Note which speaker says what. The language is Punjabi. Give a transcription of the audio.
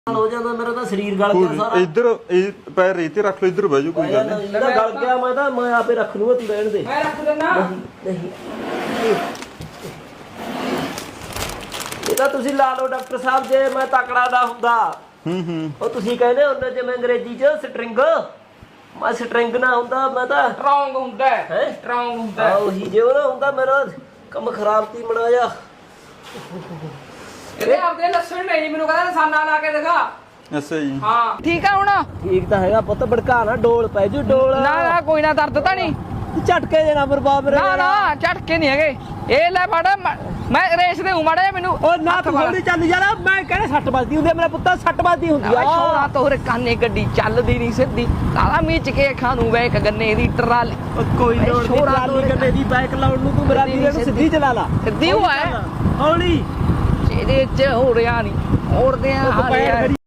Speaker 1: ਹੋ ਜਾਂਦਾ ਮੇਰਾ ਤਾਂ ਸਰੀਰ ਗਲ ਗਿਆ ਸਾਰਾ।
Speaker 2: ਇੱਧਰ ਇਹ ਪੈਰ ਰੇਤੇ ਰੱਖ ਲਓ, ਇੱਧਰ ਬਹਿ ਜਾਓ, ਕੋਈ ਗੱਲ ਨਹੀਂ।
Speaker 1: ਇਹਦਾ ਗਲ ਗਿਆ, ਮੈਂ ਆਪੇ ਰੱਖ ਲੂੰਗਾ, ਤੂੰ ਰਹਿਣ ਦੇ।
Speaker 3: ਮੈਂ ਰੱਖ ਦਿੰਦਾ।
Speaker 1: ਨਹੀਂ ਇਹ ਤਾਂ ਤੁਸੀਂ ਲਾ ਲਓ ਡਾਕਟਰ ਸਾਹਿਬ, ਜੇ ਮੈਂ ਤਕੜਾ ਨਾ ਹੁੰਦਾ। ਉਹ ਤੁਸੀਂ ਕਹਿੰਦੇ ਹੁੰਦੇ ਜਿਵੇਂ ਅੰਗਰੇਜ਼ੀ ਚ ਸਟਰਿੰਗ, ਮੈਂ ਸਟਰਿੰਗ ਨਾ ਹੁੰਦਾ, ਮੈਂ ਤਾਂ
Speaker 3: ਸਟਰੋਂਗ ਹੁੰਦਾ
Speaker 1: ਹੈ।
Speaker 3: ਸਟਰੋਂਗ ਹੁੰਦਾ
Speaker 1: ਉਹੀ ਜੇ ਉਹ ਨਾ ਹੁੰਦਾ ਮੇਰਾ ਕੰਮ ਖਰਾਬ ਤੀ ਬਣਾਇਆ।
Speaker 3: ਇਹਦੇ ਆਪਦੇ ਲੱਛਣ ਨਹੀਂ, ਮੈਨੂੰ ਕਹਿੰਦਾ ਨਿਸ਼ਾਨਾ ਲਾ ਕੇ ਦਿਖਾ।
Speaker 2: ਅੱਛਾ ਜੀ।
Speaker 3: ਹਾਂ ਠੀਕ ਆ ਹੁਣ।
Speaker 1: ਠੀਕ ਤਾਂ ਹੈਗਾ ਪੁੱਤ, ਭੜਕਾ ਨਾ, ਡੋਲ ਪੈ ਜੂ ਡੋਲ।
Speaker 3: ਨਾ ਨਾ ਕੋਈ ਨਾ, ਦਰਦ ਤਾਂ ਨਹੀਂ।
Speaker 1: ਝਟਕੇ ਦੇਣਾ ਬਰਬਾਦ ਰੇ।
Speaker 3: ਨਾ ਨਾ ਝਟਕੇ ਨਹੀਂ ਹੈਗੇ। ਇਹ ਲੈ ਫੜ, ਮੈਂ ਰੇਸ ਦੇ ਮਾੜਾ ਜਿਹਾ ਮੈਨੂੰ।
Speaker 1: ਉਹ ਨਾ ਤੂੰ ਹੌਲੀ ਚੱਲ ਯਾਰ, ਮੈਂ ਕਹਿੰਦਾ ਸੱਟ ਵੱਜਦੀ ਹੁੰਦੀ ਆ, ਮੇਰਾ ਪੁੱਤ ਸੱਟ ਵੱਜਦੀ ਹੁੰਦੀ ਆ।
Speaker 3: ਛੋਰਾ ਤੋਰੇ ਕਾਨੇ ਗੱਡੀ ਚੱਲਦੀ ਨਹੀਂ ਸਿੱਧੀ, ਕਾਲਾ ਮੀਚ ਕੇ ਖਾਣੂ ਬੈਕ ਗੰਨੇ ਦੀ ਟਰਾਲੀ।
Speaker 1: ਕੋਈ ਲੋੜ ਨਹੀਂ ਟਰਾਲੀ ਗੱਡੇ ਦੀ ਬਾਈਕ ਲਾਉਣ ਨੂੰ, ਤੂੰ ਮੇਰਾ ਵੀਰੇ ਨੂੰ ਸਿੱਧੀ ਚਲਾ ਲਾ।
Speaker 3: ਸਿੱਧੀ ਹੋਇਆ
Speaker 1: ਹੌਲੀ
Speaker 3: ਇਹਦੇ ਚ ਹੋ ਰਿਹਾ ਨਹੀਂ, ਹੋਰਦੇ ਆ